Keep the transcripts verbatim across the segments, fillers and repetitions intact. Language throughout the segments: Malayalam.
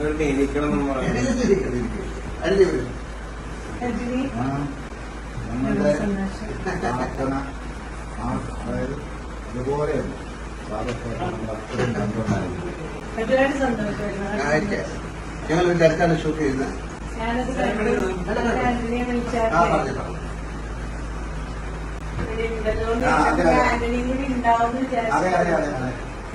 നമ്മളുടെ പ്രാർത്ഥന അതായത് ഇതുപോലെയല്ല ഞങ്ങൾ അടുത്താണ് ഷൂട്ട് ചെയ്യുന്നത്. അതെ അതെ അതെ അതെ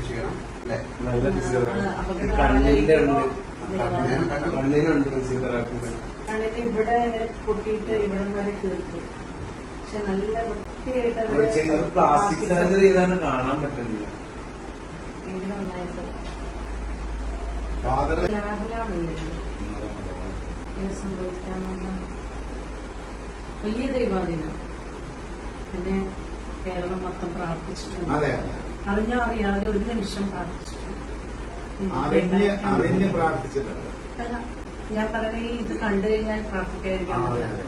ഇവിടെ പൊട്ടിയിട്ട് ഇവിടെ വരെ തീർക്കും. പക്ഷെ നല്ല വൃത്തിയായിട്ട് പ്ലാസ്റ്റിക് സർജറി ചെയ്താണ് കാണാൻ പറ്റുന്നില്ല. സംഭവിക്കാമെന്ന വലിയ ദൈവാധീനം പിന്നെ കേരളം മൊത്തം പ്രാർത്ഥിച്ചിട്ടുണ്ട്. അറിഞ്ഞോ അറിയാതെ ഒരു നിമിഷം പ്രാർത്ഥിച്ചിട്ടുണ്ട്. ഞാൻ പറഞ്ഞ ഇത് കണ്ടു കഴിഞ്ഞാൽ പ്രാർത്ഥിക്കാതിരിക്കാൻ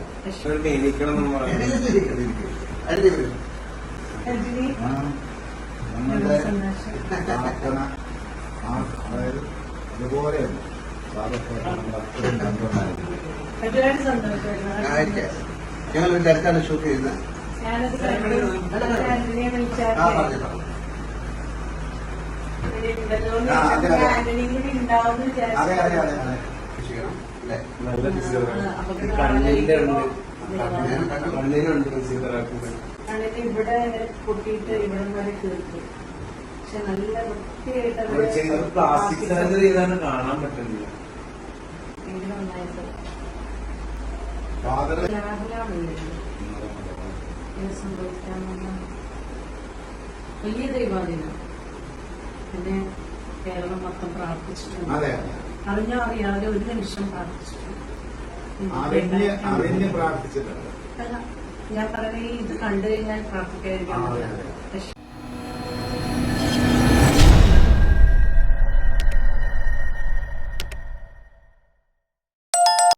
നമ്മളുടെ പ്രാർത്ഥന അതായത് ഇതുപോലെയല്ല ഞങ്ങൾ അടുത്താണ് ഷൂട്ട് ചെയ്യുന്നത്. അതെ അതെ അതെ അതെ ഇവിടെ പൊട്ടിയിട്ട് ഇവിടെ വരെ തീർക്കും. പക്ഷെ നല്ല വൃത്തിയായിട്ട് പ്ലാസ്റ്റിക് സർജറി ചെയ്താണ് കാണാൻ പറ്റുന്നില്ല. സംഭവിക്കാമെന്ന വലിയ ദൈവാധീനം പിന്നെ കേരളം മൊത്തം പ്രാർത്ഥിച്ചിട്ടുണ്ട്. അറിഞ്ഞോ അറിയാതെ ഒരു നിമിഷം പ്രാർത്ഥിച്ചിട്ടുണ്ട്. പ്രാർത്ഥിച്ചിട്ടുണ്ട്. ഞാൻ പറഞ്ഞ ഇത് കണ്ടു കഴിഞ്ഞാൽ പ്രാർത്ഥിക്കാതിരിക്കാൻ